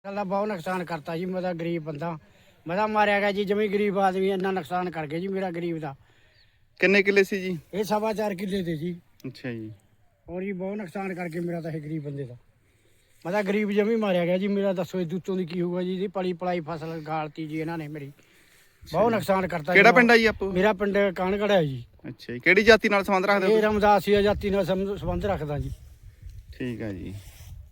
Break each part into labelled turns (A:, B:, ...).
A: ਗੱਲਾਂ ਬਹੁਤ ਨੁਕਸਾਨ ਕਰਤਾ ਜੀ। ਮੈਂ ਤਾਂ ਗਰੀਬ ਬੰਦਾ, ਮੈਂ ਤਾਂ ਮਾਰਿਆ ਗਿਆ ਜੀ। ਜਮੀ ਗਰੀਬ ਆਦਮੀ ਇੰਨਾ ਨੁਕਸਾਨ ਕਰ ਗਿਆ ਜੀ ਮੇਰਾ ਗਰੀਬ ਦਾ।
B: ਕਿੰਨੇ ਕਿੱਲੇ ਸੀ ਜੀ?
A: ਇਹ 4.25 ਕਿੱਲੇ ਤੇ ਜੀ।
B: ਅੱਛਾ ਜੀ।
A: ਔਰ ਜੀ ਬਹੁਤ ਨੁਕਸਾਨ ਕਰਕੇ ਮੇਰਾ ਤਾਂ ਇਹ ਗਰੀਬ ਬੰਦੇ ਦਾ। ਮੈਂ ਤਾਂ ਗਰੀਬ ਜਮੀ ਮਾਰਿਆ ਗਿਆ ਜੀ ਮੇਰਾ। ਦੱਸੋ ਇਹ ਦੂਤੋਂ ਦੀ ਕੀ ਹੋਊਗਾ ਜੀ? ਇਹਦੀ ਪਲੀ ਪਲਾਈ ਫਸਲ ਗਾਲਤੀ ਜੀ ਇਹਨਾਂ ਨੇ ਮੇਰੀ। ਬਹੁਤ ਨੁਕਸਾਨ ਕਰਤਾ।
B: ਕਿਹੜਾ ਪਿੰਡ ਆ ਜੀ ਆਪੋ?
A: ਮੇਰਾ ਪਿੰਡ ਕਾਨਗੜ ਹੈ ਜੀ।
B: ਅੱਛਾ ਜੀ। ਕਿਹੜੀ ਜਾਤੀ ਨਾਲ ਸੰਬੰਧ ਰੱਖਦੇ ਹੋ?
A: ਇਹ ਰਮਦਾਸੀਆ ਜਾਤੀ ਨਾਲ ਸੰਬੰਧ ਰੱਖਦਾ ਜੀ।
B: ਠੀਕ ਹੈ ਜੀ।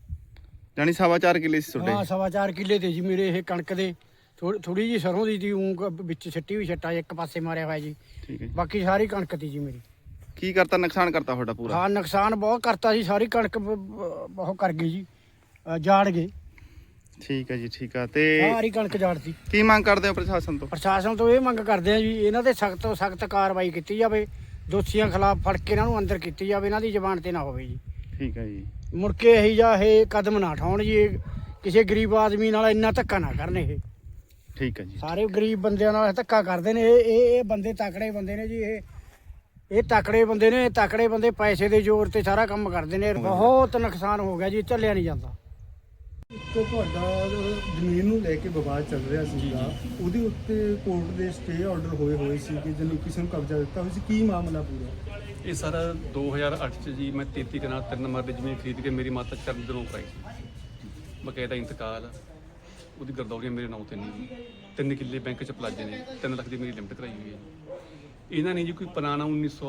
B: ਜਾਨੀ 4.25 ਕਿੱਲੇ ਸੀ ਤੁਹਾਡੇ?
A: ਹਾਂ 4.25 ਕਿੱਲੇ ਤੇ ਜੀ ਮੇਰੇ। ਇਹ ਕਣਕ ਦੇ ਥੋੜੀ ਜੀ ਸਰੋਂ ਦੀ ਤੀ ਵਿੱਚ ਸਿੱਟੀ ਵੀ ਛੱਟਾ ਇੱਕ ਪਾਸੇ ਮਾਰਿਆ ਹੋਇਆ ਜੀ।
B: ਠੀਕ ਹੈ ਜੀ।
A: ਬਾਕੀ ਸਾਰੀ ਕਣਕ ਤੀ ਜੀ ਮੇਰੀ।
B: ਕੀ ਕਰਤਾ? ਨੁਕਸਾਨ ਕਰਤਾ ਤੁਹਾਡਾ ਪੂਰਾ?
A: ਹਾਂ ਨੁਕਸਾਨ ਬਹੁਤ ਕਰਤਾ ਜੀ। ਸਾਰੀ ਕਣਕ ਬਹੁਤ ਕਰ ਗਈ ਜੀ। ਜਾੜ ਗਏ।
B: ਠੀਕ ਹੈ ਜੀ। ਠੀਕ ਆ। ਤੇ
A: ਸਾਰੀ ਕਣਕ ਜਾੜਤੀ।
B: ਕੀ ਮੰਗ ਕਰਦੇ ਹੋ ਪ੍ਰਸ਼ਾਸਨ ਤੋਂ?
A: ਪ੍ਰਸ਼ਾਸਨ ਤੋਂ ਇਹ ਮੰਗ ਕਰਦੇ ਆ ਜੀ ਇਹਨਾਂ ਤੇ ਸਖਤ ਤੋਂ ਸਖਤ ਕਾਰਵਾਈ ਕੀਤੀ ਜਾਵੇ। ਦੋਸ਼ੀਆਂ ਖਿਲਾਫ ਫੜ ਕੇ ਇਹਨਾਂ ਨੂੰ ਅੰਦਰ ਕੀਤੀ ਜਾਵੇ। ਇਹਨਾਂ ਦੀ ਜ਼ਬਾਨ ਤੇ ਨਾ ਹੋਵੇ ਜੀ।
B: ਠੀਕ ਹੈ ਜੀ।
A: ਮੁੜ ਕੇ ਇਹੀ ਜਾਂ ਇਹ ਕਦਮ ਨਾ ਉਠਾਉਣ ਜੀ। ਇਹ ਕਿਸੇ ਗਰੀਬ ਆਦਮੀ ਨਾਲ ਇੰਨਾ ਧੱਕਾ ਨਾ ਕਰਨ। ਇਹ
B: ਠੀਕ ਹੈ ਜੀ।
A: ਸਾਰੇ ਗਰੀਬ ਬੰਦਿਆਂ ਨਾਲ ਧੱਕਾ ਕਰਦੇ ਨੇ। ਇਹ ਬੰਦੇ ਤਕੜੇ ਬੰਦੇ ਨੇ ਜੀ। ਇਹ ਤਕੜੇ ਬੰਦੇ ਨੇ। ਤਕੜੇ ਬੰਦੇ ਪੈਸੇ ਦੇ ਜ਼ੋਰ ਤੇ ਸਾਰਾ ਕੰਮ ਕਰਦੇ ਨੇ। ਬਹੁਤ ਨੁਕਸਾਨ ਹੋ ਗਿਆ ਜੀ। ਝੱਲਿਆ ਨਹੀਂ ਜਾਂਦਾ।
C: ਇੱਕ ਤੁਹਾਡਾ ਜ਼ਮੀਨ ਨੂੰ ਲੈ ਕੇ ਵਿਵਾਦ ਚੱਲ ਰਿਹਾ ਸੀਗਾ, ਉਹਦੇ ਉੱਤੇ ਕੋਰਟ ਦੇ ਸਟੇ ਆਰਡਰ ਹੋਏ ਸੀ ਕਿ ਜਿਹਨੂੰ ਕਿਸੇ ਨੂੰ ਕਬਜ਼ਾ ਦਿੱਤਾ ਹੋਇਆ ਸੀ। ਕੀ ਮਾਮਲਾ ਪੂਰਾ?
D: ਇਹ ਸਾਰਾ 2008 ਚ ਜੀ ਮੈਂ 33 ਕਨਾਲ 3 ਨੰਬਰ ਦੀ ਜ਼ਮੀਨ ਖਰੀਦ ਕੇ ਮੇਰੀ ਮਾਤਾ ਚਰਨ ਦੇ ਨਾਂ ਕਰਾਈ ਸੀ। ਬਕਾਇਦਾ ਇੰਤਕਾਲ ਆ। ਉਹਦੀ ਗਰਦੌਰੀਆਂ ਮੇਰੇ ਨਾਂ ਤੇ ਨਹੀਂ। 3 ਕਿੱਲੇ ਬੈਂਕ ਚ ਪਲਾਜੇ ਨੇ। 3 ਲੱਖ ਦੀ ਮੇਰੀ ਲਿਮਟ ਕਰਾਈ ਹੋਈ ਹੈ। ਇਹਨਾਂ ਨੇ ਜੀ ਕੋਈ ਪੁਰਾਣਾ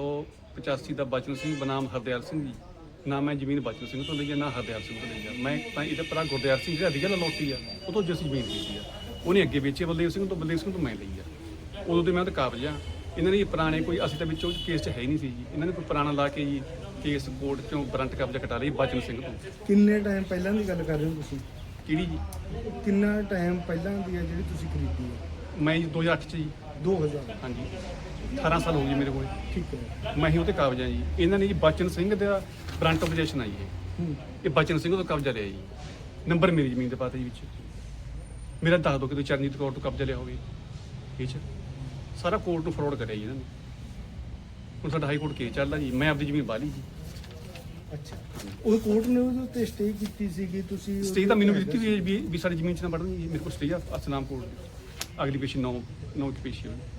D: 1985 ਦਾ ਬਚਨ ਸਿੰਘ ਬਨਾਮ ਹਰਦਿਆਲ ਸਿੰਘ ਜੀ। ਨਾ ਮੈਂ ਜ਼ਮੀਨ ਬਚਨ ਸਿੰਘ ਤੋਂ ਲਈ ਆ, ਨਾ ਹਰਦਿਆਲ ਸਿੰਘ ਤੋਂ ਲਈ ਆ। ਮੈਂ ਤਾਂ ਇਹਦੇ ਭਰਾ ਗੁਰਦਿਆਲ ਸਿੰਘ ਜਿਹੜਾ ਰੀਅਲ ਲੋਟੀ ਆ ਉਹ ਤੋਂ ਜਿਸ ਜ਼ਮੀਨ ਲਈ ਆ ਉਹਨੇ ਅੱਗੇ ਵੇਚੀ ਬਲਦੇਵ ਸਿੰਘ ਤੋਂ। ਬਲਦੇਵ ਸਿੰਘ ਤੋਂ ਮੈਂ ਲਈ ਆ। ਉਦੋਂ ਤੇ ਮੈਂ ਤਾਂ ਕਾਬਜ਼ ਆ। ਇਹਨਾਂ ਨੇ ਪੁਰਾਣੇ ਕੋਈ ਅਸੀਂ ਤਾਂ ਵਿੱਚੋਂ ਕੇਸ 'ਚ ਹੈ ਹੀ ਨਹੀਂ ਸੀ ਜੀ। ਇਹਨਾਂ ਨੇ ਕੋਈ ਪੁਰਾਣਾ ਲਾ ਕੇ ਜੀ ਕੇਸ ਕੋਰਟ 'ਚੋਂ ਵਾਰੰਟ ਕਬਜ਼ਾ ਕਟਾ ਲਈ ਬਚਨ ਸਿੰਘ ਤੋਂ।
C: ਕਿੰਨੇ ਟਾਈਮ ਪਹਿਲਾਂ ਦੀ ਗੱਲ ਕਰ ਰਹੇ ਹੋ ਤੁਸੀਂ?
D: ਕਿਹੜੀ ਜੀ?
C: ਕਿੰਨਾ ਟਾਈਮ ਪਹਿਲਾਂ ਦੀ ਹੈ ਜਿਹੜੀ ਤੁਸੀਂ ਖਰੀਦੀ ਹੈ?
D: ਮੈਂ ਜੀ 2008 ਚ ਜੀ।
C: 2000।
D: ਹਾਂਜੀ 18 ਸਾਲ ਹੋ ਗਏ ਮੇਰੇ ਕੋਲ।
C: ਠੀਕ ਹੈ।
D: ਮੈਂ ਹੀ ਉਹਤੇ ਕਾਬਜ਼ ਆ ਜੀ। ਇਹਨਾਂ ਨੇ ਜੀ ਬਚਨ ਸਿੰਘ ਦਾ ਵਾਰੰਟ ਆਫ ਪੋਜੀਸ਼ਨ ਆਈ ਹੈ। ਇਹ ਬਚਨ ਸਿੰਘ ਤੋਂ ਕਬਜ਼ਾ ਲਿਆ ਜੀ। ਨੰਬਰ ਮੇਰੀ ਜ਼ਮੀਨ ਦੇ ਪਾਤੇ ਜੀ ਵਿੱਚ। ਮੇਰਾ ਦੱਸ ਦਿਓ ਕਿ ਤੁਸੀਂ ਚਰਨਜੀਤ ਕੌਰ ਤੋਂ ਕਬਜ਼ਾ ਲਿਆ ਹੋਵੇ। ਇਹ 'ਚ ਸਾਰਾ ਕੋਰਟ ਨੂੰ ਫਰੋਡ ਕਰਿਆ ਜੀ ਇਹਨਾਂ ਨੇ। ਹੁਣ ਸਾਡਾ ਹਾਈ ਕੋਰਟ ਕੇਸ ਚੱਲਦਾ ਜੀ। ਮੈਂ ਆਪਦੀ ਜ਼ਮੀਨ ਬਾਲੀ ਜੀ।
C: ਅੱਛਾ। ਉਹ ਕੋਰਟ ਨੇ ਉਹਦੇ ਉੱਤੇ ਸਟੇ ਕੀਤੀ ਸੀ ਕਿ ਤੁਸੀਂ
D: ਸਟੇ ਤਾਂ ਮੈਨੂੰ ਵੀ ਦਿੱਤੀ ਹੋਈ ਹੈ ਵੀ ਸਾਡੀ ਜ਼ਮੀਨ 'ਚ ਨਾ ਵੜਨ ਜੀ। ਮੇਰੇ ਕੋਲ ਸਟੇ ਆ ਸਨਾਮ ਕੋਰਟ ਦੀ। ਅਗਲੀ ਪੇਸ਼ੀ 9 ਕੀ ਪੇਸ਼ੀ ਹੋਈ।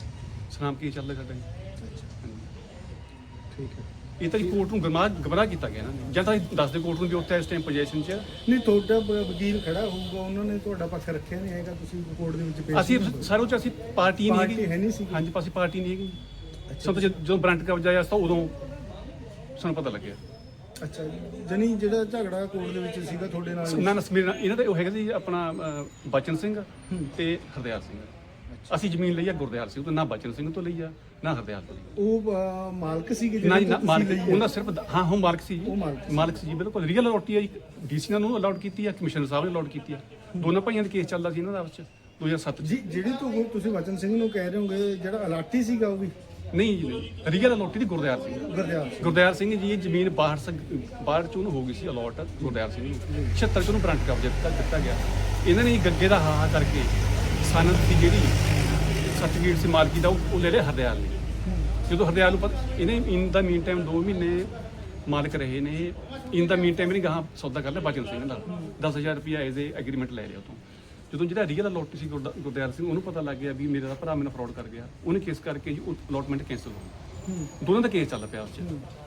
D: ਸਨਾਮ ਕੀ ਚੱਲਦਾ ਸਾਡਾ ਜੀ। ਹਾਂਜੀ।
C: ਠੀਕ ਹੈ।
D: ਇਹ ਤਾਂ ਜੀ ਕੋਰਟ ਨੂੰ ਗਮਰਾਹ ਕੀਤਾ ਗਿਆ ਇਹਨਾਂ ਨੇ। ਜਾਂ ਤਾਂ ਦੱਸਦੇ ਕੋਰਟ ਨੂੰ ਵੀ ਉੱਥੇ ਇਸ ਟਾਈਮ ਪੋਜੀਸ਼ਨ 'ਚ
C: ਨਹੀਂ, ਤੁਹਾਡਾ ਵਕੀਲ ਖੜਾ ਹੋਊਗਾ, ਉਹਨਾਂ ਨੇ ਤੁਹਾਡਾ ਪੱਖ ਰੱਖਿਆ ਨਹੀਂ ਹੈਗਾ, ਤੁਸੀਂ ਕੋਰਟ ਦੇ ਵਿੱਚ ਪੇਸ਼
D: ਅਸੀਂ ਸਾਰੇ ਉਹ 'ਚ ਅਸੀਂ ਪਾਰਟੀ ਨਹੀਂ
C: ਪਾਰਟੀ ਹੈ ਨਹੀਂ ਸੀਗੀ।
D: ਹਾਂਜੀ ਅਸੀਂ ਪਾਰਟੀ ਨਹੀਂ ਹੈਗੀ। ਸਾਨੂੰ ਤਾਂ ਜਦੋਂ ਬਰੰਟ ਕਬਜ਼ਾ ਆਇਆ ਤਾਂ ਉਦੋਂ ਸਾਨੂੰ ਪਤਾ ਲੱਗਿਆ।
C: ਅੱਛਾ। ਜਨੀ ਜਿਹੜਾ ਝਗੜਾ ਕੋਰਟ ਦੇ ਵਿੱਚ ਸੀਗਾ ਤੁਹਾਡੇ ਨਾਲ?
D: ਨਾ ਸਮੀਰ ਇਹਨਾਂ ਦੇ ਉਹ ਹੈਗਾ ਸੀ ਆਪਣਾ ਬਚਨ ਸਿੰਘ ਤੇ ਹਰਦਿਆਲ ਸਿੰਘ। ਅਸੀਂ ਜ਼ਮੀਨ ਲਈ ਆ ਗੁਰਦਿਆਲ ਸਿੰਘ ਤੋਂ। ਨਾ ਬਚਨ ਸਿੰਘ ਤੋਂ ਲਈ ਆ, ਨਾ ਹਰਦਿਆਲ ਤੋਂ ਲਈ।
C: ਉਹ ਮਾਲਕ ਸੀਗੇ
D: ਨਾ ਜੀ
C: ਜਿਹੜੇ
D: ਨਾ
C: ਤੁਸੀਂ
D: ਮਾਲਕ
C: ਲਈ ਹੈ?
D: ਉਹਨਾਂ ਸਿਰਫ ਹਾਂ ਉਹ ਮਾਲਕ ਸੀ
C: ਉਹ
D: ਜੀ। ਮਾਲਕ ਸੀ ਜੀ ਬਿਲਕੁਲ। ਰੀਅਲ ਅਲੋਟੀ ਆ ਜੀ। ਡੀਸੀ ਨੂੰ ਅਲਾਉਡ ਕੀਤੀ ਆ, ਕਮਿਸ਼ਨਰ ਸਾਹਿਬ ਨੇ ਅਲਾਉਡ ਕੀਤੀ ਆ। ਦੋਨਾਂ ਭਾਈਆਂ ਦਾ ਕੇਸ ਚੱਲਦਾ ਸੀ ਇਹਨਾਂ ਦਾ ਆਪਸ ਚ 2007
C: ਜੀ। ਜਿਹੜੀ ਤੁਸੀਂ ਵਚਨ ਸਿੰਘ ਨੂੰ ਕਹਿ ਰਹੇ ਹੋਗੇ, ਜਿਹੜਾ ਅਲਾਟੀ ਸੀਗਾ ਉਹ ਵੀ
D: ਨਹੀਂ ਜੀ ਨਹੀਂ। ਰੀਅਲ ਅਲੋਟੀ ਦੀ ਗੁਰਦਿਆਲ ਸਿੰਘ।
C: ਗੁਰਦਿਆਲ
D: ਗੁਰਦਿਆਲ ਸਿੰਘ ਜੀ ਇਹ ਜ਼ਮੀਨ ਬਾਹਰ ਚ ਉਹਨੂੰ ਹੋ ਗਈ ਸੀ ਅਲਾਟ ਗੁਰਦਿਆਲ ਸਿੰਘ ਨੂੰ। 76 ਚ ਉਹਨੂੰ ਬਰੰਟ ਕਬਜ਼ਾ ਦਿੱਤਾ ਗਿਆ। ਇਹਨਾਂ ਨੇ ਗੱਗੇ ਦਾ ਹਾਹਾ ਕਰਕੇ ਸਨਦ ਦੀ ਜਿਹੜੀ ਸਰਟੀਫਿਕੇਟ ਸੀ ਮਾਲਕੀ ਦਾ ਉਹ ਲੈ ਲਿਆ ਹਰਦਿਆਲ ਨੇ। ਜਦੋਂ ਹਰਦਿਆਲ ਨੂੰ ਪਤਾ ਇਹਨੇ ਇਨ ਦਾ ਮੀਨ ਟਾਈਮ 2 ਮਹੀਨੇ ਮਾਲਕ ਰਹੇ ਨੇ। ਇਨ ਦਾ ਮੀਨ ਟਾਈਮ ਇਹਨੇ ਗਾਹਾਂ ਸੌਦਾ ਕਰ ਲਿਆ ਬਚਨ ਸਿੰਘ ਨਾਲ। 10,000 ਰੁਪਇਆ ਐਜ਼ ਏ ਐਗਰੀਮੈਂਟ ਲੈ ਲਿਆ ਉਤੋਂ। ਜਦੋਂ ਜਿਹੜਾ ਰੀਅਲ ਅਲੋਟੀ ਸੀ ਗੁਰਦਿਆਲ ਸਿੰਘ ਉਹਨੂੰ ਪਤਾ ਲੱਗ ਗਿਆ ਵੀ ਮੇਰਾ ਭਰਾ ਮੈਨੂੰ ਫਰਾਡ ਕਰ ਗਿਆ। ਉਹਨੇ ਕੇਸ ਕਰਕੇ ਜੀ ਉਹ ਅਲੋਟਮੈਂਟ ਕੈਂਸਲ ਹੋ ਗਈ। ਦੋਨਾਂ ਦਾ ਕੇਸ ਚੱਲਦਾ ਪਿਆ ਉਸ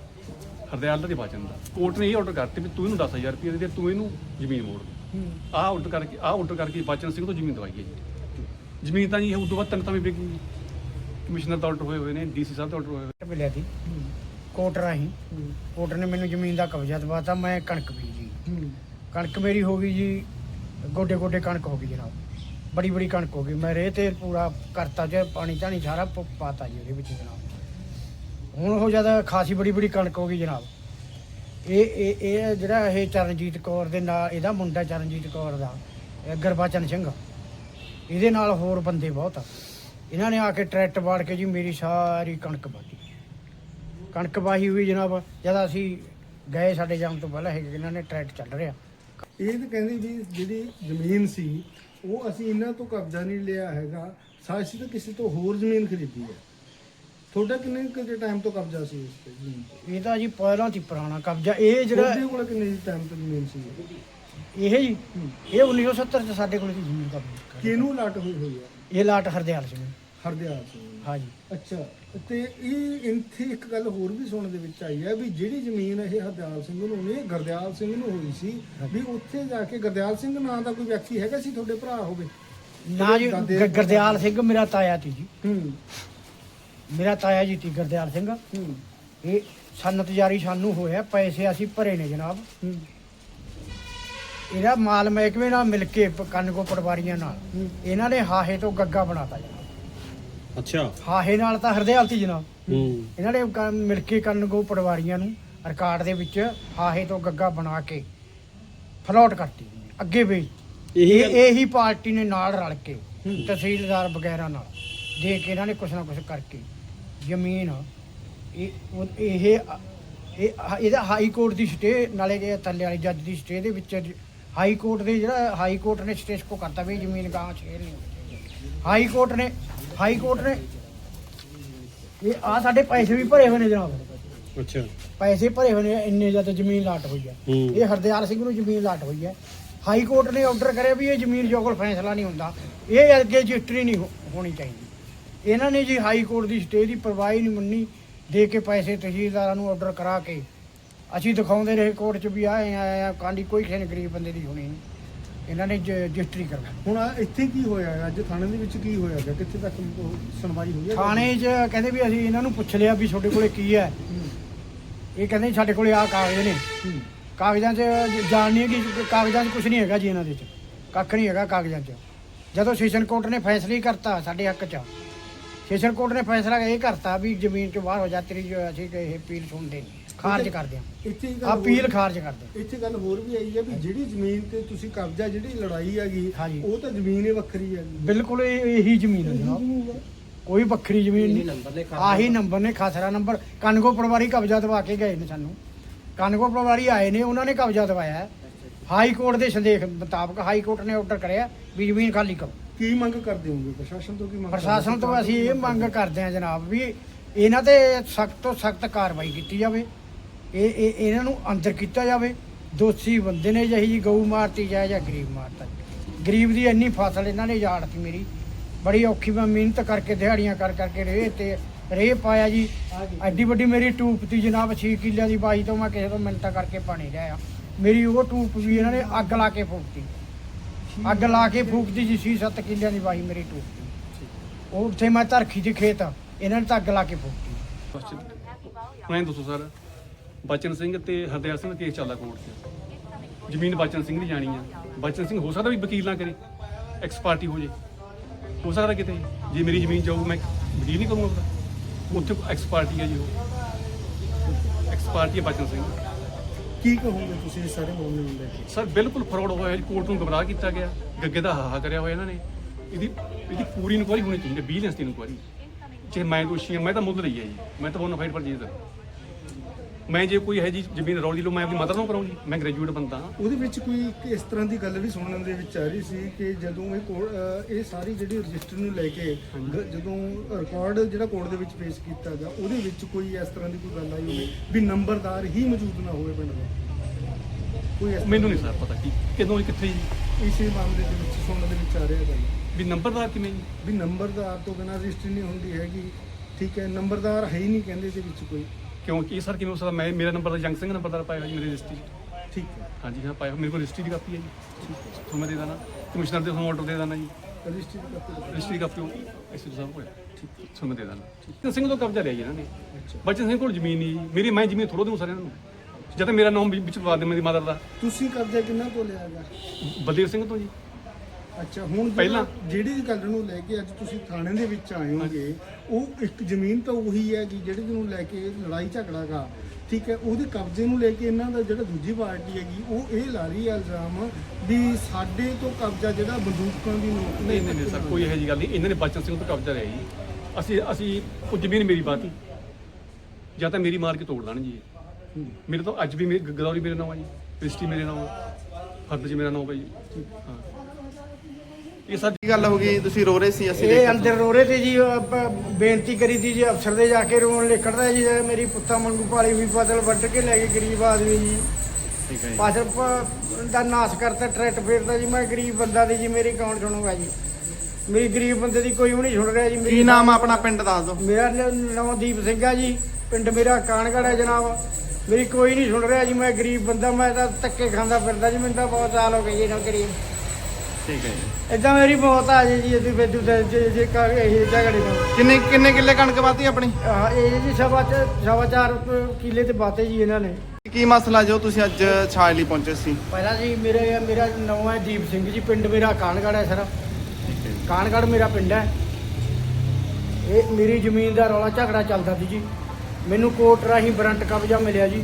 D: 'ਚ। ਹਰਦਿਆਲ ਦਾ ਤੇ ਬਚਨ ਦਾ। ਕੋਰਟ ਨੇ ਇਹ ਆਰਡਰ ਕਰਤੇ ਵੀ ਤੂੰ ਇਹਨੂੰ 10,000 ਰੁਪਇਆ ਦੇ, ਤੂੰ ਇਹਨੂੰ ਜ਼ਮੀਨ ਮੋੜ। ਆਹ ਆਰਡਰ ਕਰਕੇ ਬਚਨ ਸਿੰਘ ਤੋਂ ਜ਼ਮੀਨ ਦਵਾਈ ਹੈ ਜੀ। ਜ਼ਮੀਨ ਤਾਂ ਜੀ ਉਦੋਂ ਬਾਅਦ 3 ਤਾਂ ਵੀ ਵਿਕ ਗਈ। ਕਮਿਸ਼ਨਰ ਦਾ ਆਰਡਰ ਹੋਏ ਨੇ, ਡੀਸੀ ਸਾਹਿਬ ਦਾ ਆਰਡਰ ਹੋਏ ਹੋਏ।
A: ਮਿਲਿਆ ਸੀ ਕੋਰਟ ਰਾਹੀਂ। ਕੋਰਟ ਨੇ ਮੈਨੂੰ ਜ਼ਮੀਨ ਦਾ ਕਬਜ਼ਾ ਦਵਾਤਾ। ਮੈਂ ਕਣਕ ਬੀਜੀ। ਕਣਕ ਮੇਰੀ ਹੋ ਗਈ ਜੀ ਗੋਡੇ ਗੋਡੇ ਕਣਕ ਹੋ ਗਈ ਜਨਾਬ। ਬੜੀ ਬੜੀ ਕਣਕ ਹੋ ਗਈ। ਮੈਂ ਰੇਹ ਤੇ ਪੂਰਾ ਕਰਤਾ ਜੇ ਪਾਣੀ ਧਾਣੀ ਸਾਰਾ ਪਾਤਾ ਜੀ ਉਹਦੇ ਵਿੱਚ ਜਨਾਬ। ਹੁਣ ਉਹ ਜਦ ਖਾਸੀ ਬੜੀ ਬੜੀ ਕਣਕ ਹੋ ਗਈ ਜਨਾਬ। ਇਹ ਜਿਹੜਾ ਇਹ ਚਰਨਜੀਤ ਕੌਰ ਦੇ ਨਾਲ ਇਹਦਾ ਮੁੰਡਾ ਚਰਨਜੀਤ ਕੌਰ ਦਾ ਗੁਰਬਚਨ ਸਿੰਘ, ਇਹਦੇ ਨਾਲ ਹੋਰ ਬੰਦੇ ਬਹੁਤ ਆ। ਇਹਨਾਂ ਨੇ ਆ ਕੇ ਟਰੈਕਟ ਵਾੜ ਕੇ ਜੀ ਮੇਰੀ ਸਾਰੀ ਕਣਕ ਵਾਹੀ। ਕਣਕ ਵਾਹੀ ਹੋਈ ਜਨਾਬ। ਜਦ ਅਸੀਂ ਗਏ ਸਾਡੇ ਜਾਣ ਤੋਂ ਪਹਿਲਾਂ ਇਹਨਾਂ ਨੇ ਟਰੈਕਟ ਚੱਲ ਰਿਹਾ।
C: ਇਹ ਤਾਂ ਕਹਿੰਦੇ ਵੀ ਜਿਹੜੀ ਜ਼ਮੀਨ ਸੀ ਉਹ ਅਸੀਂ ਇਹਨਾਂ ਤੋਂ ਕਬਜ਼ਾ ਨਹੀਂ ਲਿਆ ਹੈਗਾ, ਅਸੀਂ ਤਾਂ ਕਿਸੇ ਤੋਂ ਹੋਰ ਜ਼ਮੀਨ ਖਰੀਦੀ ਹੈ। ਤੁਹਾਡਾ ਕਿੰਨੇ ਕੁ ਟਾਈਮ ਤੋਂ ਕਬਜ਼ਾ ਸੀ ਇਸ ਤੇ ਜ਼ਮੀਨ ਤੇ?
A: ਇਹ ਤਾਂ ਜੀ ਪਹਿਲਾਂ ਦੀ ਪੁਰਾਣਾ ਕਬਜ਼ਾ। ਇਹ ਜਿਹੜਾ
C: ਤੁਹਾਡੇ ਕੋਲ ਕਿੰਨੇ ਟਾਈਮ ਤੋਂ ਜ਼ਮੀਨ ਸੀ?
A: ਇਹ ਜੀ ਇਹ 1970 ਚ ਸਾਡੇ ਕੋਲ ਦੀ ਜ਼ਮੀਨ ਕਬਜ਼ਾ
C: ਕਿਹਨੂੰ ਲਾਟ ਹੋਈ ਹੋਈ ਹੈ?
A: ਇਹ ਲਾਟ ਹਰਦਿਆਲ ਸਿੰਘ
C: ਹਰਦਿਆਲ ਸਿੰਘ।
A: ਹਾਂ ਜੀ।
C: ਅੱਛਾ, ਤੇ ਇਹ ਇੱਥੇ ਇੱਕ ਗੱਲ ਹੋਰ ਵੀ ਸੁਣਨ ਦੇ ਵਿੱਚ ਆਈ ਹੈ ਵੀ ਜਿਹੜੀ ਜ਼ਮੀਨ ਇਹ ਹਰਦਿਆਲ ਸਿੰਘ ਨੂੰ ਨਹੀਂ ਗੁਰਦਿਆਲ ਸਿੰਘ ਨੂੰ ਹੋਈ ਸੀ, ਵੀ ਉੱਥੇ ਜਾ ਕੇ ਗੁਰਦਿਆਲ ਸਿੰਘ ਨਾਂ ਦਾ ਕੋਈ ਵਿਅਕਤੀ ਹੈਗਾ ਸੀ ਤੁਹਾਡੇ ਭਰਾ ਹੋਵੇ?
A: ਨਾ ਜੀ ਗੁਰਦਿਆਲ ਸਿੰਘ ਮੇਰਾ ਤਾਇਆ ਸੀ ਜੀ,
C: ਹੂੰ
A: ਮੇਰਾ ਤਾਇਆ ਜੀ ਸੀ ਗੁਰਦਿਆਲ ਸਿੰਘ।
C: ਹੂੰ
A: ਇਹ ਸਨਤ ਜਾਰੀ ਸਾਨੂੰ ਹੋਇਆ, ਪੈਸੇ ਅਸੀਂ ਭਰੇ ਨੇ ਜਨਾਬ।
C: ਹੂੰ
A: ਇਹਦਾ ਮਾਲ ਮਹਿਕਮੇ ਨਾਲ ਮਿਲ ਕੇ ਕੰਨਗੋ ਪਟਵਾਰੀਆਂ ਨਾਲ ਇਹਨਾਂ ਨੇ ਹਾਹੇ ਤੋਂ ਗੱਗਾ ਬਣਾਤਾ ਜਨਾਬ।
E: ਅੱਛਾ।
A: ਹਾਹੇ ਨਾਲ ਤਾਂ ਹਰਦਿਆਲ ਸੀ ਜਨਾਬ।
E: ਹੂੰ।
A: ਇਹਨਾਂ ਨੇ ਮਿਲ ਕੇ ਕੰਨਗੋ ਪਟਵਾਰੀਆਂ ਨੂੰ ਰਿਕਾਰਡ ਦੇ ਵਿੱਚ ਹਾਹੇ ਤੋਂ ਗੱਗਾ ਬਣਾ ਕੇ ਫਲੋਟ ਕਰਤੀ ਅੱਗੇ ਵੇਚ। ਇਹੀ ਪਾਰਟੀ ਨੇ ਨਾਲ ਰਲ ਕੇ ਤਹਿਸੀਲਦਾਰ ਵਗੈਰਾ ਨਾਲ ਦੇ ਕੇ ਇਹਨਾਂ ਨੇ ਕੁਛ ਨਾ ਕੁਛ ਕਰਕੇ ਜ਼ਮੀਨ ਇਹਦਾ ਹਾਈ ਕੋਰਟ ਦੀ ਸਟੇ ਨਾਲੇ ਜੇ ਥੱਲੇ ਵਾਲੀ ਜੱਜ ਦੀ ਸਟੇ ਦੇ ਵਿੱਚ ਹਾਈ ਕੋਰਟ ਦੇ ਜਿਹੜਾ ਹਾਈ ਕੋਰਟ ਨੇ ਸਟੇ ਕੋ ਕਰਤਾ ਵੀ ਜ਼ਮੀਨ ਗਾਂ ਸ਼ੇਰ ਨਹੀਂ ਹੋਣੀ ਚਾਹੀਦੀ। ਹਾਈ ਕੋਰਟ ਨੇ ਇਹ ਆ ਸਾਡੇ ਪੈਸੇ ਵੀ ਭਰੇ ਹੋਏ ਨੇ ਜਨਾਬ।
E: ਅੱਛਾ।
A: ਪੈਸੇ ਭਰੇ ਹੋਏ ਨੇ, ਇੰਨੇ ਜ਼ਿਆਦਾ ਜ਼ਮੀਨ ਲਾਟ ਹੋਈ ਹੈ।
E: ਹੂੰ।
A: ਇਹ ਹਰਦਿਆਲ ਸਿੰਘ ਨੂੰ ਜ਼ਮੀਨ ਲਾਟ ਹੋਈ ਹੈ। ਹਾਈ ਕੋਰਟ ਨੇ ਆਰਡਰ ਕਰਿਆ ਵੀ ਇਹ ਜ਼ਮੀਨ ਜੋ ਕੋਲ ਫੈਸਲਾ ਨਹੀਂ ਹੁੰਦਾ, ਇਹ ਅੱਗੇ ਰਜਿਸਟਰੀ ਨਹੀਂ ਹੋਣੀ ਚਾਹੀਦੀ। ਇਹਨਾਂ ਨੇ ਜੀ ਹਾਈ ਕੋਰਟ ਦੀ ਸਟੇ ਦੀ ਪਰਵਾਹ ਹੀ ਨਹੀਂ ਮੰਨੀ, ਦੇ ਕੇ ਪੈਸੇ ਤਹਿਸੀਲਦਾਰਾਂ ਨੂੰ ਆਰਡਰ ਕਰਾ ਕੇ ਅਸੀਂ ਦਿਖਾਉਂਦੇ ਰਹੇ ਕੋਰਟ 'ਚ ਵੀ ਆਏ ਆ ਕਾਂਡੀ ਕੋਈ ਕਿਸੇ ਨੇ ਗਰੀਬ ਬੰਦੇ ਦੀ ਹੋਣੀ ਨਹੀਂ। ਇਹਨਾਂ ਨੇ ਰਜਿਸਟਰੀ ਕਰਵਾ।
C: ਹੁਣ ਇੱਥੇ ਕੀ ਹੋਇਆ ਅੱਜ ਥਾਣੇ ਦੇ ਵਿੱਚ ਕੀ ਹੋਇਆ ਗਾ? ਕਿੱਥੇ ਤੱਕ ਸੁਣਵਾਈ ਹੋਈ ਹੈ?
A: ਥਾਣੇ 'ਚ ਕਹਿੰਦੇ ਵੀ ਅਸੀਂ ਇਹਨਾਂ ਨੂੰ ਪੁੱਛ ਲਿਆ ਵੀ ਤੁਹਾਡੇ ਕੋਲੇ ਕੀ ਹੈ। ਇਹ ਕਹਿੰਦੇ ਸਾਡੇ ਕੋਲੇ ਆਹ ਕਾਗਜ਼ ਨੇ। ਕਾਗਜ਼ਾਂ 'ਚ ਜਾਣ ਨਹੀਂ ਕਿ ਕਾਗਜ਼ਾਂ 'ਚ ਕੁਝ ਨਹੀਂ ਹੈਗਾ ਜੀ, ਇਹਨਾਂ ਦੇ 'ਚ ਕੱਖ ਨਹੀਂ ਹੈਗਾ ਕਾਗਜ਼ਾਂ 'ਚ। ਜਦੋਂ ਸੈਸ਼ਨ ਕੋਰਟ ਨੇ ਫੈਸਲਾ ਹੀ ਕਰਤਾ ਸਾਡੇ ਹੱਕ 'ਚ, ਸੈਸ਼ਨ ਕੋਰਟ ਨੇ ਫੈਸਲਾ ਇਹ ਕਰਤਾ ਵੀ ਜ਼ਮੀਨ 'ਚੋਂ ਬਾਹਰ ਹੋ ਜਾ, ਤੇਰੀ ਜੋ ਅਸੀਂ ਇਹ ਅਪੀਲ ਸੁਣਦੇ ਨਹੀਂ, ਖਾਰਜ ਕਰਦੇ ਹਾਂ,
C: ਇੱਥੇ ਇੱਕ ਗੱਲ
A: ਅਪੀਲ
C: ਹੋਰ-
A: ਖਾਰਜ ਕਰਦੇ ਹਾਂ।
C: ਇੱਥੇ ਗੱਲ ਹੋਰ ਵੀ ਆਈ ਹੈ ਵੀ ਜਿਹੜੀ ਜ਼ਮੀਨ ਤੇ ਤੁਸੀਂ ਕਬਜ਼ਾ ਜਿਹੜੀ ਲੜਾਈ ਹੈਗੀ
A: ਹਾਂਜੀ।
C: ਉਹ ਤਾਂ ਜ਼ਮੀਨ ਹੀ ਵੱਖਰੀ ਹੈ।
A: ਬਿਲਕੁਲ ਇਹੀ ਜ਼ਮੀਨ ਹੈ ਜਨਾਬ, ਕੋਈ ਵੱਖਰੀ ਜ਼ਮੀਨ ਨਹੀਂ। ਆਹੀ ਨੰਬਰ ਨੇ, ਖਾਸਰਾ ਨੰਬਰ। ਕੰਨਗੋ ਪਟਵਾਰੀ ਕਬਜ਼ਾ ਦਵਾ ਕੇ ਗਏ ਨੇ ਸਾਨੂੰ। ਕੰਨਗੋ ਪਟਵਾਰੀ ਆਏ ਨੇ, ਉਹਨਾਂ ਨੇ ਕਬਜ਼ਾ ਦਵਾਇਆ ਹੈ। ਹਾਈ ਕੋਰਟ ਦੇ ਸੰਦੇਸ਼ ਮੁਤਾਬਕ ਹਾਈ ਕੋਰਟ ਨੇ ਆਰਡਰ ਕਰਿਆ ਵੀ ਜ਼ਮੀਨ ਖਾਲੀ ਕਰੋ।
C: ਕੀ ਮੰਗ ਕਰਦੇ ਹੋਗੇ ਪ੍ਰਸ਼ਾਸਨ ਤੋਂ? ਕੀ ਮੰਗ
A: ਪ੍ਰਸ਼ਾਸਨ ਤੋਂ ਅਸੀਂ ਇਹ ਮੰਗ ਕਰਦੇ ਹਾਂ ਜਨਾਬ ਵੀ ਇਹਨਾਂ ਤੇ ਸਖਤ ਤੋਂ ਸਖਤ ਕਾਰਵਾਈ ਕੀਤੀ ਜਾਵੇ। ਇਹਨਾਂ ਨੂੰ ਅੰਦਰ ਕੀਤਾ ਜਾਵੇ। ਦੋਸ਼ੀ ਬੰਦੇ ਨੇ ਜਿਹੀ ਜੀ ਗਊ ਮਾਰਤੀ ਜਾਏ ਜਾਂ ਗਰੀਬ ਮਾਰਤਾ। ਗਰੀਬ ਦੀ ਇੰਨੀ ਫਸਲ ਇਹਨਾਂ ਨੇ ਉਜਾੜਤੀ ਮੇਰੀ, ਬੜੀ ਔਖੀ ਮੈਂ ਮਿਹਨਤ ਕਰਕੇ ਦਿਹਾੜੀਆਂ ਕਰ ਕਰਕੇ ਰੇਹ ਪਾਇਆ ਜੀ। ਐਡੀ ਵੱਡੀ ਮੇਰੀ ਟੂਪ ਤੀ ਜਨਾਬ, 6 ਕਿੱਲਿਆਂ ਦੀ ਬਾਈ ਤੋਂ ਮੈਂ ਕਿਸੇ ਤੋਂ ਮਿੰਨਤਾਂ ਕਰਕੇ ਪਾਣੀ ਲਿਆਇਆ। ਮੇਰੀ ਉਹ ਟੂਪ ਵੀ ਇਹਨਾਂ ਨੇ ਅੱਗ ਲਾ ਕੇ ਫੂਕਤੀ। ਅੱਗ ਲਾ ਕੇ ਫੂਕਤੀ ਜੀ। 6-7 ਕਿੱਲਿਆਂ ਦੀ ਬਾਈ ਮੇਰੀ ਟੂਪ ਤੀ। ਉਹ ਉੱਥੇ ਮੈਂ ਧਰਖੀ ਦੀ ਖੇਤ, ਇਹਨਾਂ ਨੇ ਤਾਂ ਅੱਗ ਲਾ ਕੇ ਫੂਕਤੀ।
D: ਮੈਂ ਦੱਸੋ ਸਰ, ਬਚਨ ਸਿੰਘ ਤੇ ਹਰਦਿਆਲ ਸਿੰਘ ਦਾ ਕੇਸ ਚੱਲਦਾ ਕੋਰਟ 'ਚ। ਜ਼ਮੀਨ ਬਚਨ ਸਿੰਘ ਦੀ ਜਾਣੀ ਆ। ਬਚਨ ਸਿੰਘ ਹੋ ਸਕਦਾ ਵੀ ਵਕੀਲ ਨਾ ਕਰੇ, ਐਕਸ ਪਾਰਟੀ ਹੋ ਜੇ, ਹੋ ਸਕਦਾ ਕਿਤੇ ਜੇ ਮੇਰੀ ਜ਼ਮੀਨ ਜਾਊ ਮੈਂ ਵਕੀਲ ਨਹੀਂ ਕਰੂੰਗਾ ਉਹਦਾ। ਉੱਥੇ ਐਕਸ ਪਾਰਟੀ ਹੈ ਜੀ, ਉਹ ਐਕਸ ਪਾਰਟੀ ਹੈ ਬਚਨ ਸਿੰਘ।
C: ਕੀ ਕਹੋਗੇ ਤੁਸੀਂ ਇਸ ਸਾਰੇ ਮਾਮਲੇ ਨੂੰ ਲੈ ਕੇ?
D: ਸਰ ਬਿਲਕੁਲ ਫਰਾਡ ਹੋਇਆ ਜੀ, ਕੋਰਟ ਨੂੰ ਗੁੰਮਰਾਹ ਕੀਤਾ ਗਿਆ, ਗੱਗੇ ਦਾ ਹਾਹਾ ਕਰਿਆ ਹੋਇਆ ਇਹਨਾਂ ਨੇ। ਇਹਦੀ ਪੂਰੀ ਇਨਕੁਆਇਰੀ ਹੋਣੀ ਚਾਹੀਦੀ ਹੈ, ਵਿਜੀਲੈਂਸ ਦੀ ਇਨਕੁਆਇਰੀ। ਜੇ ਮੈਂ ਦੋਸ਼ੀ ਹਾਂ, ਮੈਂ ਤਾਂ ਮੁੱਲ ਰਹੀ ਹੈ ਜੀ, ਮੈਂ ਤਾਂ ਬੋਨਾਫਾਈਡ ਪਰ ਜੀਤ। ਮੈਂ ਜੇ ਕੋਈ ਹੈ ਜੀ ਜ਼ਮੀਨ ਰੌਲੀ ਲਓ, ਮੈਂ ਆਪਣੀ ਮਦਰ ਨੂੰ ਕਰਾਉਂ ਜੀ, ਮੈਂ ਗ੍ਰੈਜੂਏਟ ਬੰਦਾ ਹਾਂ।
C: ਉਹਦੇ ਵਿੱਚ ਕੋਈ ਇੱਕ ਇਸ ਤਰ੍ਹਾਂ ਦੀ ਗੱਲ ਵੀ ਸੁਣਨ ਦੇ ਵਿੱਚ ਆ ਰਹੀ ਸੀ ਕਿ ਜਦੋਂ ਇਹ ਸਾਰੀ ਜਿਹੜੀ ਰਜਿਸਟਰ ਨੂੰ ਲੈ ਕੇ ਜਦੋਂ ਰਿਕਾਰਡ ਜਿਹੜਾ ਕੋਰਟ ਦੇ ਵਿੱਚ ਪੇਸ਼ ਕੀਤਾ ਗਿਆ, ਉਹਦੇ ਵਿੱਚ ਕੋਈ ਇਸ ਤਰ੍ਹਾਂ ਦੀ ਕੋਈ ਗੱਲ ਆਈ ਹੋਵੇ ਵੀ ਨੰਬਰਦਾਰ ਹੀ ਮੌਜੂਦ ਨਾ ਹੋਵੇ ਪਿੰਡ ਦਾ? ਕੋਈ
D: ਮੈਨੂੰ ਨਹੀਂ ਸਰ ਪਤਾ ਕਿ ਕਿਦੋਂ ਕਿੱਥੇ ਜੀ
C: ਇਸੇ ਮਾਮਲੇ ਦੇ ਵਿੱਚ ਸੁਣਨ ਦੇ ਵਿੱਚ ਆ ਰਿਹਾ ਗੱਲ
D: ਵੀ ਨੰਬਰਦਾਰ ਕਿਵੇਂ ਜੀ।
C: ਵੀ ਨੰਬਰਦਾਰ ਤੋਂ ਬਿਨਾਂ ਰਜਿਸਟਰੀ ਨਹੀਂ ਹੁੰਦੀ ਹੈਗੀ। ਠੀਕ ਹੈ, ਨੰਬਰਦਾਰ ਹੈ ਹੀ ਨਹੀਂ ਕਹਿੰਦੇ ਇਹਦੇ ਵਿੱਚ ਕੋਈ।
D: ਕਿਉਂਕਿ ਸਰ ਕਿਵੇਂ ਹੋ ਸਕਦਾ, ਮੈਂ ਮੇਰਾ ਨੰਬਰ ਤਾਂ ਜੰਗ ਸਿੰਘ ਨੰਬਰਦਾਰ ਪਾਇਆ ਹੋਇਆ ਜੀ ਮੇਰੀ ਰਜਿਸਟਰੀ 'ਚ।
C: ਠੀਕ ਹੈ,
D: ਹਾਂਜੀ ਹਾਂ ਪਾਇਆ, ਮੇਰੇ ਕੋਲ ਰਜਿਸਟਰੀ ਦੀ ਕਾਪੀ ਹੈ ਜੀ, ਤੁਹਾਨੂੰ ਮੈਂ ਦੇ ਦੇਣਾ। ਕਮਿਸ਼ਨਰ ਦੇ ਤੁਹਾਨੂੰ ਆਰਡਰ ਦੇ ਦੇਣਾ ਜੀ,
C: ਰਜਿਸਟਰੀ ਦੀ ਕਾਪੀ।
D: ਰਜਿਸਟਰੀ ਦੀ ਕਾਪੀ ਐਸਪੀ ਸਾਹਿਬ ਕੋਲ ਤੁਹਾਨੂੰ ਮੈਂ ਦੇ ਦੇਣਾ। ਬਚਨ ਸਿੰਘ ਤੋਂ ਕਬਜ਼ਾ ਲਿਆ ਜੀ ਇਹਨਾਂ ਨੇ। ਬਚਨ ਸਿੰਘ ਕੋਲ ਜ਼ਮੀਨ ਨਹੀਂ ਜੀ, ਮੈਂ ਜ਼ਮੀਨ ਥੋੜ੍ਹਾ ਦੂੰ ਸਾਰਿਆਂ ਨੂੰ। ਜਦ ਤੱਕ ਮੇਰਾ ਨਾਮ ਵਿੱਚ ਪਵਾ ਦੇ ਮੇਰੀ ਮਦਰ ਦਾ।
C: ਤੁਸੀਂ ਕਬਜ਼ਾ ਕਿੰਨਾ ਤੋਂ ਲਿਆ ਗਾ?
D: ਬਲਦੇਵ ਸਿੰਘ ਤੋਂ ਜੀ।
C: ਅੱਛਾ, ਹੁਣ
D: ਪਹਿਲਾਂ
C: ਜਿਹੜੀ ਗੱਲ ਨੂੰ ਲੈ ਕੇ ਅੱਜ ਤੁਸੀਂ ਥਾਣੇ ਦੇ ਵਿੱਚ ਆਏ ਹੋਗੇ, ਉਹ ਇੱਕ ਜ਼ਮੀਨ ਤਾਂ ਉਹੀ ਹੈ ਕਿ ਜਿਹੜੀ ਨੂੰ ਲੈ ਕੇ ਲੜਾਈ ਝਗੜਾ ਗਾ। ਠੀਕ ਹੈ, ਉਹਦੇ ਕਬਜ਼ੇ ਨੂੰ ਲੈ ਕੇ ਇਹਨਾਂ ਦਾ ਜਿਹੜਾ ਦੂਜੀ ਪਾਰਟੀ ਹੈਗੀ ਉਹ ਇਹ ਲਾ ਰਹੀ ਹੈ ਇਲਜ਼ਾਮ ਵੀ ਸਾਡੇ ਤੋਂ ਕਬਜ਼ਾ ਜਿਹੜਾ ਬੰਦੂਕਾਂ ਦੀ ਨੋਕ
D: ਨਹੀਂ ਸਰ, ਕੋਈ ਇਹੋ ਜਿਹੀ ਗੱਲ ਨਹੀਂ। ਇਹਨਾਂ ਨੇ ਬਚਨ ਸਿੰਘ ਤੋਂ ਕਬਜ਼ਾ ਲਿਆ ਜੀ। ਅਸੀਂ ਉਹ ਜ਼ਮੀਨ ਮੇਰੀ ਬਾਤੀ ਜਾਂ ਤਾਂ ਮੇਰੀ ਮਾਰ ਕੇ ਤੋੜ ਦੇਣ ਜੀ। ਮੇਰੇ ਤੋਂ ਅੱਜ ਵੀ ਮੇਰੀ ਗਦੌਰੀ ਮੇਰੇ ਨਾਮ ਆ ਜੀ, ਰਜਿਸਟਰੀ ਮੇਰੇ ਨਾਮ ਆ, ਫਰਦ ਜੀ ਮੇਰਾ ਨਾਮ ਆ ਜੀ। ਹਾਂ, ਇਹ ਸਰ
B: ਕੀ ਗੱਲ ਹੋ ਗਈ? ਤੁਸੀਂ ਰੋ ਰਹੇ ਸੀ, ਅਸੀਂ
A: ਇਹ
B: ਦੇਖਿਆ।
A: ਅੰਦਰ ਰੋ ਰਹੇ ਤੇ ਜੀ। ਬੇਨਤੀ ਕਰੀ ਤੀ ਜੀ ਅਫਸਰ ਦੇ, ਜਾ ਕੇ ਰੋਣ ਲਿਖੜਦਾ ਜੀ, ਮੇਰੀ ਪੁੱਤਾਂ ਮੰਗੂ ਪਾਲੀ ਵੀ ਫਸਲ ਵੱਢ ਕੇ ਲੈ ਗਏ ਗਰੀਬ ਆਦਮੀ ਜੀ।
B: ਠੀਕ ਹੈ ਜੀ।
A: ਫਸਲ ਦਾ ਨਾਸ ਕਰਤਾ, ਟਰੈਕਟ ਫੇਰਦਾ ਜੀ। ਮੈਂ ਗਰੀਬ ਬੰਦਾ ਦੀ ਜੀ, ਮੇਰੀ ਕੌਣ ਸੁਣੂਗਾ ਜੀ? ਮੇਰੀ ਗਰੀਬ ਬੰਦੇ ਦੀ ਕੋਈ ਵੀ ਨਹੀਂ ਸੁਣ ਰਿਹਾ ਜੀ।
B: ਕੀ ਨਾਮ ਆ ਆਪਣਾ, ਪਿੰਡ ਦੱਸ ਦਿਓ।
A: ਮੇਰਾ ਨਾਮ ਦੀਪ ਸਿੰਘ ਆ ਜੀ, ਪਿੰਡ ਮੇਰਾ ਕਾਨਗੜ੍ਹ ਹੈ ਜਨਾਬ। ਮੇਰੀ ਕੋਈ ਨਹੀਂ ਸੁਣ ਰਿਹਾ ਜੀ। ਮੈਂ ਗਰੀਬ ਬੰਦਾ, ਮੈਂ ਤਾਂ ਧੱਕੇ ਖਾਂਦਾ ਫਿਰਦਾ ਜੀ। ਮੈਨੂੰ ਤਾਂ ਬਹੁਤ ਸਾਲ ਹੋ ਗਏ ਜੀ ਨਾ ਗਰੀਬ।
B: ਠੀਕ ਹੈ ਜੀ।
A: ਇਦਾਂ ਮੇਰੀ ਬਹੁਤ ਆ ਜੀ ਅਸੀਂ ਫਿਰ ਜੇ ਕਰ ਇਹ ਝਗੜੇ ਨੂੰ।
B: ਕਿੰਨੇ ਕਿੱਲੇ ਕਣਕ ਵਾਤੀ ਆਪਣੀ?
A: ਇਹ ਜੀ ਸਵਾ 4 ਕਿੱਲੇ ਤੇ ਬਾਤੇ ਜੀ ਇਹਨਾਂ ਨੇ।
B: ਕੀ ਮਸਲਾ ਜੋ ਤੁਸੀਂ ਅੱਜ ਛਾਜ ਲਈ ਪਹੁੰਚੇ ਸੀ?
A: ਪਹਿਲਾਂ ਜੀ ਮੇਰਾ ਨਾਮ ਹੈ ਦੀਪ ਸਿੰਘ ਜੀ, ਪਿੰਡ ਮੇਰਾ ਕਾਨਗੜ੍ਹ ਹੈ ਸਰ।
B: ਠੀਕ ਹੈ ਜੀ।
A: ਕਾਨਗੜ੍ਹ ਮੇਰਾ ਪਿੰਡ ਹੈ। ਇਹ ਮੇਰੀ ਜ਼ਮੀਨ ਦਾ ਰੌਲਾ ਝਗੜਾ ਚੱਲਦਾ ਸੀ ਜੀ। ਮੈਨੂੰ ਕੋਰਟ ਰਾਹੀਂ ਵਾਰੰਟ ਕਬਜ਼ਾ ਮਿਲਿਆ ਜੀ।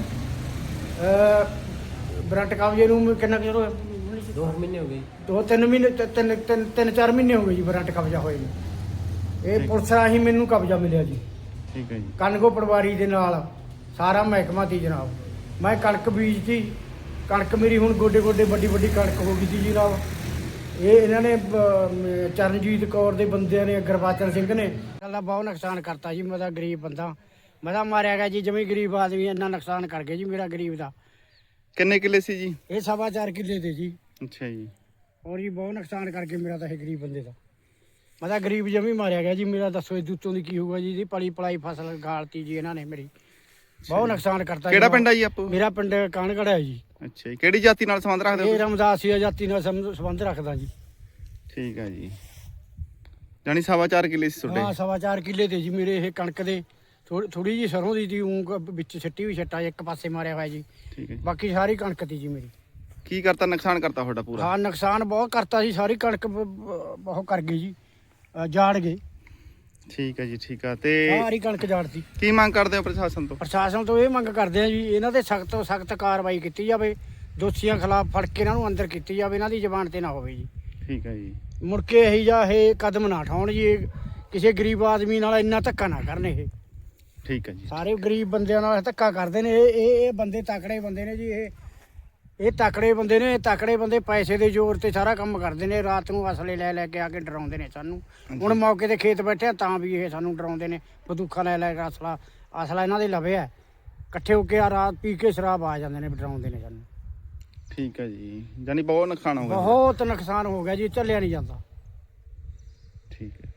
A: ਵਾਰੰਟ ਕਬਜ਼ੇ ਨੂੰ ਕਿੰਨਾ ਚਿਰ ਹੋਇਆ?
E: 2 ਮਹੀਨੇ ਹੋ ਗਏ।
A: 2-3 ਮਹੀਨੇ, 3-4 ਮਹੀਨੇ ਹੋ ਗਏ ਜੀ ਵਾਰੰਟ ਕਬਜ਼ਾ ਹੋਏ ਨੂੰ। ਇਹ ਪੁਲਿਸ ਰਾਹੀਂ ਮੈਨੂੰ ਕਬਜ਼ਾ ਮਿਲਿਆ ਜੀ।
B: ਠੀਕ ਹੈ ਜੀ।
A: ਕਣਕੋ ਪਟਵਾਰੀ ਦੇ ਨਾਲ ਸਾਰਾ ਮਹਿਕਮਾ ਸੀ ਜਨਾਬ। ਮੈਂ ਕਣਕ ਬੀਜਤੀ, ਕਣਕ ਮੇਰੀ ਹੁਣ ਗੋਡੇ ਗੋਡੇ ਵੱਡੀ ਵੱਡੀ ਕਣਕ ਹੋ ਗਈ ਸੀ ਜੀ ਜਨਾਬ। ਇਹ ਇਹਨਾਂ ਨੇ ਚਰਨਜੀਤ ਕੌਰ ਦੇ ਬੰਦਿਆਂ ਨੇ, ਗੁਰਬਚਨ ਸਿੰਘ ਨੇ ਸਾਡਾ ਬਹੁਤ ਨੁਕਸਾਨ ਕਰਤਾ ਜੀ। ਮੈਂ ਤਾਂ ਗਰੀਬ ਬੰਦਾ, ਮੈਂ ਤਾਂ ਮਾਰਿਆ ਗਿਆ ਜੀ। ਜਮੀ ਗਰੀਬ ਆਦਮੀ ਇੰਨਾ ਨੁਕਸਾਨ ਕਰ ਗਏ ਜੀ ਮੇਰਾ ਗਰੀਬ ਦਾ।
B: ਕਿੰਨੇ ਕਿੱਲੇ ਸੀ ਜੀ?
A: ਇਹ 4.5 ਕਿੱਲੇ ਤੇ ਜੀ।
B: ਅੱਛਾ ਜੀ।
A: ਔਰ ਜੀ ਬਹੁਤ ਨੁਕਸਾਨ ਕਰਕੇ ਮੇਰਾ ਤਾਂ ਇਹ ਗਰੀਬ ਬੰਦੇ ਦਾ। ਮੈਂ ਤਾਂ ਗਰੀਬ ਜਮੀ ਮਾਰਿਆ ਗਿਆ ਜੀ ਮੇਰਾ। ਦੱਸੋ ਇਹ ਉੱਤੋਂ ਦੀ ਕੀ ਹੋਊਗਾ ਜੀ? ਇਹਦੀ ਪਲੀ ਪਲਾਈ ਫਸਲ ਗਾਲਤੀ ਜੀ ਇਹਨਾਂ ਨੇ ਮੇਰੀ। ਬਹੁਤ ਨੁਕਸਾਨ ਕਰਤਾ।
B: ਕਿਹੜਾ ਪਿੰਡ ਆ ਜੀ ਆਪੋ?
A: ਮੇਰਾ ਪਿੰਡ ਕਾਨਗੜ੍ਹ ਹੈ ਜੀ।
B: ਅੱਛਾ ਜੀ। ਕਿਹੜੀ ਜਾਤੀ ਨਾਲ ਸੰਬੰਧ ਰੱਖਦੇ ਹੋ
A: ਇਹ
B: ਤੁਸੀਂ?
A: ਰਮਦਾਸੀਆ ਜਾਤੀ ਨਾਲ ਸੰਬੰਧ ਰੱਖਦਾ ਜੀ।
B: ਠੀਕ ਹੈ ਜੀ। ਜਾਨੀ 4.5 ਕਿੱਲੇ ਸੀ
A: ਹਾਂ
B: ਤੁਹਾਡੇ?
A: 4.5 ਕਿੱਲੇ ਤੇ ਜੀ ਮੇਰੇ ਇਹ ਕਣਕ ਦੇ। ਥੋੜੀ ਜੀ ਸਰੋਂ ਦੀ ਤੀ ਵਿੱਚ ਸਿੱਟੀ ਵੀ ਛੱਟਾ ਇੱਕ ਪਾਸੇ ਮਾਰਿਆ ਹੋਇਆ ਜੀ।
B: ਠੀਕ ਹੈ ਜੀ।
A: ਬਾਕੀ ਸਾਰੀ ਕਣਕ ਤੀ ਜੀ ਮੇਰੀ।
B: ਕੀ ਕਰਤਾ, ਨੁਕਸਾਨ ਕਰਤਾ ਤੁਹਾਡਾ ਪੂਰਾ?
A: ਹਾਂ ਨੁਕਸਾਨ ਬਹੁਤ ਕਰਤਾ ਜੀ। ਸਾਰੀ ਕਣਕ ਬਹੁਤ ਕਰ ਗਈ ਜੀ, ਜਾੜ ਗਏ।
B: ਠੀਕ ਹੈ ਜੀ। ਠੀਕ ਆ। ਤੇ
A: ਸਾਰੀ ਕਣਕ ਜਾੜਤੀ।
B: ਕੀ ਮੰਗ ਕਰਦੇ ਹੋ ਪ੍ਰਸ਼ਾਸਨ ਤੋਂ?
A: ਪ੍ਰਸ਼ਾਸਨ ਤੋਂ ਇਹ ਮੰਗ ਕਰਦੇ ਆ ਜੀ, ਇਹਨਾਂ ਤੇ ਸਖਤ ਤੋਂ ਸਖਤ ਕਾਰਵਾਈ ਕੀਤੀ ਜਾਵੇ। ਦੋਸ਼ੀਆਂ ਖਿਲਾਫ ਫੜ ਕੇ ਇਹਨਾਂ ਨੂੰ ਅੰਦਰ ਕੀਤੀ ਜਾਵੇ। ਇਹਨਾਂ ਦੀ ਜ਼ਬਾਨ ਤੇ ਨਾ ਹੋਵੇ ਜੀ।
B: ਠੀਕ ਹੈ ਜੀ।
A: ਮੁੜ ਕੇ ਇਹੀ ਜਾਂ ਇਹ ਕਦਮ ਨਾ ਉਠਾਉਣ ਜੀ। ਇਹ ਕਿਸੇ ਗਰੀਬ ਆਦਮੀ ਨਾਲ ਇੰਨਾ ਧੱਕਾ ਨਾ ਕਰਨ। ਇਹ
B: ਠੀਕ ਹੈ ਜੀ।
A: ਸਾਰੇ ਗਰੀਬ ਬੰਦਿਆਂ ਨਾਲ ਧੱਕਾ ਕਰਦੇ ਨੇ। ਇਹ ਬੰਦੇ ਤਕੜੇ ਬੰਦੇ ਨੇ ਜੀ। ਇਹ ਤਕੜੇ ਬੰਦੇ ਨੇ। ਤਕੜੇ ਬੰਦੇ ਪੈਸੇ ਦੇ ਜ਼ੋਰ ਤੇ ਸਾਰਾ ਕੰਮ ਕਰਦੇ ਨੇ। ਰਾਤ ਨੂੰ ਅਸਲੇ ਲੈ ਲੈ ਕੇ ਆ ਕੇ ਡਰਾਉਂਦੇ ਨੇ ਸਾਨੂੰ। ਹੁਣ ਮੌਕੇ ਤੇ ਖੇਤ ਬੈਠੇ ਆ ਤਾਂ ਵੀ ਇਹ ਸਾਨੂੰ ਡਰਾਉਂਦੇ ਨੇ। ਬੰਦੂਕਾਂ ਲੈ ਲੈ ਕੇ ਅਸਲਾ ਇਹਨਾਂ ਦੇ ਲਵੇ ਹੈ। ਇਕੱਠੇ ਹੋ ਕੇ ਆ ਰਾਤ ਪੀ ਕੇ ਸ਼ਰਾਬ ਆ ਜਾਂਦੇ ਨੇ, ਡਰਾਉਂਦੇ ਨੇ ਸਾਨੂੰ।
B: ਠੀਕ ਹੈ ਜੀ। ਜਾਨੀ ਬਹੁਤ ਨੁਕਸਾਨ ਹੋ ਗਿਆ।
A: ਬਹੁਤ ਨੁਕਸਾਨ ਹੋ ਗਿਆ ਜੀ, ਚੱਲਿਆ ਨਹੀਂ ਜਾਂਦਾ।
B: ਠੀਕ ਹੈ।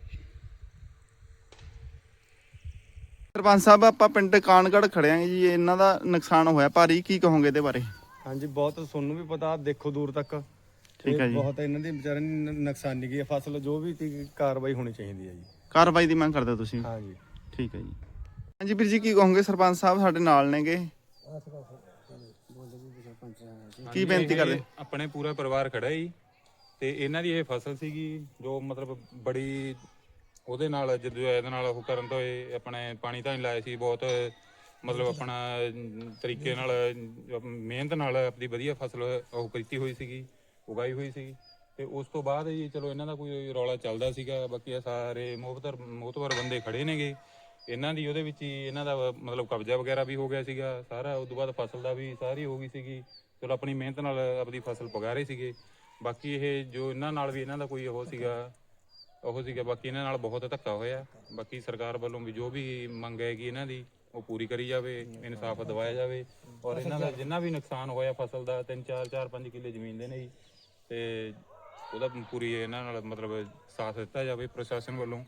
B: ਸਰਪੰਚ ਸਾਹਿਬ, ਆਪਾਂ ਪਿੰਡ ਕਾਨਗੜ੍ਹ ਖੜੇ ਆਂ ਜੀ। ਇਹਨਾਂ ਦਾ ਨੁਕਸਾਨ ਹੋਇਆ ਭਾਰੀ, ਕੀ ਕਹੋਗੇ ਇਹਦੇ ਬਾਰੇ?
F: ਹਾਂਜੀ, ਬਹੁਤ ਤੁਹਾਨੂੰ ਵੀ ਪਤਾ, ਦੇਖੋ ਦੂਰ ਤੱਕ।
B: ਠੀਕ ਹੈ ਜੀ।
F: ਬਹੁਤ ਇਹਨਾਂ ਦੀ ਵਿਚਾਰਿਆਂ ਦੀ ਨੁਕਸਾਨੀ ਗਈ ਹੈ ਫਸਲ। ਜੋ ਵੀ ਤੀ ਕਾਰਵਾਈ ਹੋਣੀ ਚਾਹੀਦੀ ਹੈ ਜੀ।
B: ਕਾਰਵਾਈ ਦੀ ਮੰਗ ਕਰਦੇ ਹੋ ਤੁਸੀਂ?
F: ਹਾਂਜੀ।
B: ਠੀਕ ਹੈ ਜੀ। ਹਾਂਜੀ ਵੀਰ ਜੀ, ਕੀ ਕਹੋਗੇ? ਸਰਪੰਚ ਸਾਹਿਬ ਸਾਡੇ ਨਾਲ ਨੇਗੇ, ਕੀ ਬੇਨਤੀ ਕਰਦੇ?
G: ਆਪਣੇ ਪੂਰਾ ਪਰਿਵਾਰ ਖੜਾ ਜੀ ਤੇ ਇਹਨਾਂ ਦੀ ਇਹ ਫਸਲ ਸੀਗੀ ਜੋ ਮਤਲਬ ਬੜੀ ਉਹਦੇ ਨਾਲ ਜਦੋਂ ਇਹਦੇ ਨਾਲ ਉਹ ਕਰਨ ਤੋਂ ਇਹ ਆਪਣੇ ਪਾਣੀ ਤਾਂ ਨਹੀਂ ਲਾਇਆ ਸੀ। ਬਹੁਤ ਮਤਲਬ ਆਪਣਾ ਤਰੀਕੇ ਨਾਲ ਮਿਹਨਤ ਨਾਲ ਆਪਣੀ ਵਧੀਆ ਫਸਲ ਉਹ ਕੀਤੀ ਹੋਈ ਸੀਗੀ, ਉਗਾਈ ਹੋਈ ਸੀਗੀ। ਤੇ ਉਸ ਤੋਂ ਬਾਅਦ ਜੀ ਚਲੋ ਇਹਨਾਂ ਦਾ ਕੋਈ ਰੌਲਾ ਚੱਲਦਾ ਸੀਗਾ। ਬਾਕੀ ਇਹ ਸਾਰੇ ਮੋਹਤਵਰ ਬੰਦੇ ਖੜੇ ਨੇਗੇ। ਇਹਨਾਂ ਦੀ ਉਹਦੇ ਵਿੱਚ ਹੀ ਇਹਨਾਂ ਦਾ ਮਤਲਬ ਕਬਜ਼ਾ ਵਗੈਰਾ ਵੀ ਹੋ ਗਿਆ ਸੀਗਾ ਸਾਰਾ। ਉਸ ਤੋਂ ਬਾਅਦ ਫਸਲ ਦਾ ਵੀ ਸਾਰੀ ਹੋ ਗਈ ਸੀਗੀ। ਚਲੋ ਆਪਣੀ ਮਿਹਨਤ ਨਾਲ ਆਪਣੀ ਫਸਲ ਪਗਾ ਰਹੇ ਸੀਗੇ। ਬਾਕੀ ਇਹ ਜੋ ਇਹਨਾਂ ਨਾਲ ਵੀ ਇਹਨਾਂ ਦਾ ਕੋਈ ਉਹ ਸੀਗਾ ਬਾਕੀ ਇਹਨਾਂ ਨਾਲ ਬਹੁਤ ਧੱਕਾ ਹੋਇਆ। ਬਾਕੀ ਸਰਕਾਰ ਵੱਲੋਂ ਵੀ ਜੋ ਵੀ ਮੰਗ ਹੈਗੀ ਇਹਨਾਂ ਦੀ ਉਹ ਪੂਰੀ ਕਰੀ ਜਾਵੇ, ਇਨਸਾਫ ਦਿਵਾਇਆ ਜਾਵੇ। ਔਰ ਇਹਨਾਂ ਦਾ ਜਿੰਨਾ ਵੀ ਨੁਕਸਾਨ ਹੋਇਆ ਫਸਲ ਦਾ 3-4-5 ਕਿੱਲੇ ਜ਼ਮੀਨ ਦੇ ਨੇ ਜੀ, ਤੇ ਉਹਦਾ ਪੂਰੀ ਇਹਨਾਂ ਨਾਲ ਮਤਲਬ ਸਾਥ ਦਿੱਤਾ ਜਾਵੇ ਪ੍ਰਸ਼ਾਸਨ ਵੱਲੋਂ।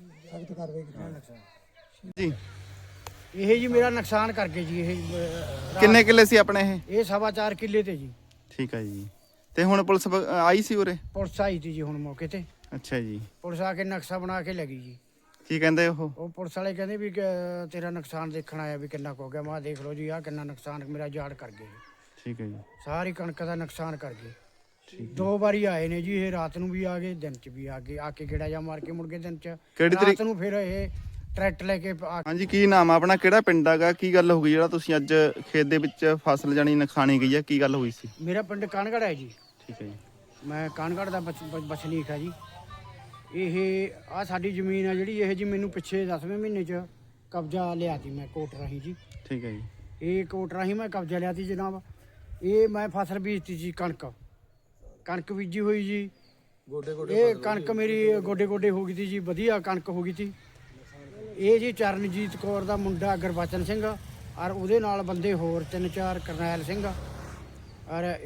B: ਜੀ
A: ਇਹ ਜੀ ਮੇਰਾ ਨੁਕਸਾਨ ਕਰਕੇ ਜੀ।
B: ਕਿੰਨੇ ਕਿੱਲੇ ਸੀ ਆਪਣੇ ਇਹ?
A: ਇਹ 4.5 ਕਿੱਲੇ ਤੇ ਜੀ।
B: ਠੀਕ ਹੈ ਜੀ। ਤੇ ਹੁਣ ਪੁਲਿਸ ਆਈ ਸੀ ਉਰੇ?
A: ਪੁਲਿਸ ਆਈ ਤੀ ਜੀ ਹੁਣ ਮੌਕੇ ਤੇ।
B: ਅੱਛਾ ਜੀ।
A: ਪੁਲਿਸ ਆ ਕੇ ਨਕਸ਼ਾ ਬਣਾ ਕੇ ਲੈ ਗਈ ਜੀ।
B: ਕੀ ਕਹਿੰਦੇ ਉਹ?
A: ਉਹ ਪੁਲਿਸ ਵਾਲੇ ਕਹਿੰਦੇ ਵੀ ਤੇਰਾ ਨੁਕਸਾਨ ਦੇਖਣ ਆਇਆ ਵੀ ਕਿੰਨਾ ਕੁ ਹੋ ਗਿਆ। ਮੈਂ ਦੇਖ ਲਓ ਜੀ, ਆਹ ਕਿੰਨਾ ਨੁਕਸਾਨ ਮੇਰਾ ਜਾੜ ਕਰ ਗਏ।
B: ਠੀਕ ਹੈ ਜੀ।
A: ਸਾਰੀ ਕਣਕ ਦਾ ਨੁਕਸਾਨ ਕਰ ਗਏ। 2 ਵਾਰੀ ਆਏ ਨੇ ਜੀ ਇਹ। ਰਾਤ ਨੂੰ ਵੀ ਆ ਗਏ, ਦਿਨ ਚ ਵੀ ਆ ਗਏ। ਆ ਕੇ ਗੇੜਾ ਜਾ ਮਾਰ ਕੇ ਮੁੜ ਗਏ ਦਿਨ ਚ।
B: ਕਿਹੜੀ
A: ਰਾਤ ਨੂੰ ਫਿਰ ਇਹ ਟਰੈਕਟਰ ਲੈ ਕੇ
B: ਹਾਂਜੀ, ਕੀ ਨਾਮ ਆ ਆਪਣਾ? ਕਿਹੜਾ ਪਿੰਡ ਹੈਗਾ? ਕੀ ਗੱਲ ਹੋ ਗਈ ਜਿਹੜਾ ਤੁਸੀਂ ਅੱਜ ਖੇਤ ਦੇ ਵਿੱਚ ਫਸਲ ਜਾਨੀ ਨੁਕਸਾਨੀ ਗਈ ਆ? ਕੀ ਗੱਲ ਹੋਈ ਸੀ?
A: ਮੇਰਾ ਪਿੰਡ ਕਾਨਗੜ੍ਹ ਹੈ ਜੀ।
B: ਠੀਕ ਹੈ ਜੀ।
A: ਮੈਂ ਕਾਨਗੜ੍ਹ ਦਾ ਵਸਨੀਕ ਹੈ ਜੀ। ਇਹ ਆ ਸਾਡੀ ਜ਼ਮੀਨ ਹੈ ਜਿਹੜੀ। ਇਹ ਜੀ ਮੈਨੂੰ ਪਿੱਛੇ 10ਵੇਂ ਮਹੀਨੇ 'ਚ ਕਬਜ਼ਾ ਲਿਆ ਸੀ ਮੈਂ ਕੋਰਟ ਰਾਹੀਂ ਜੀ।
B: ਠੀਕ ਹੈ ਜੀ।
A: ਇਹ ਕੋਰਟ ਰਾਹੀਂ ਮੈਂ ਕਬਜ਼ਾ ਲਿਆ ਸੀ ਜਨਾਬ। ਇਹ ਮੈਂ ਫਸਲ ਬੀਜਤੀ ਸੀ, ਕਣਕ ਬੀਜੀ ਹੋਈ ਜੀ। ਇਹ ਕਣਕ ਮੇਰੀ ਗੋਡੇ ਗੋਡੇ ਹੋ ਗਈ ਸੀ ਜੀ, ਵਧੀਆ ਕਣਕ ਹੋ ਗਈ ਸੀ। ਇਹ ਜੀ ਚਰਨਜੀਤ ਕੌਰ ਦਾ ਮੁੰਡਾ ਗੁਰਬਚਨ ਸਿੰਘ ਔਰ ਉਹਦੇ ਨਾਲ ਬੰਦੇ ਹੋਰ 3-4 ਕਰਨੈਲ ਸਿੰਘ ਔਰ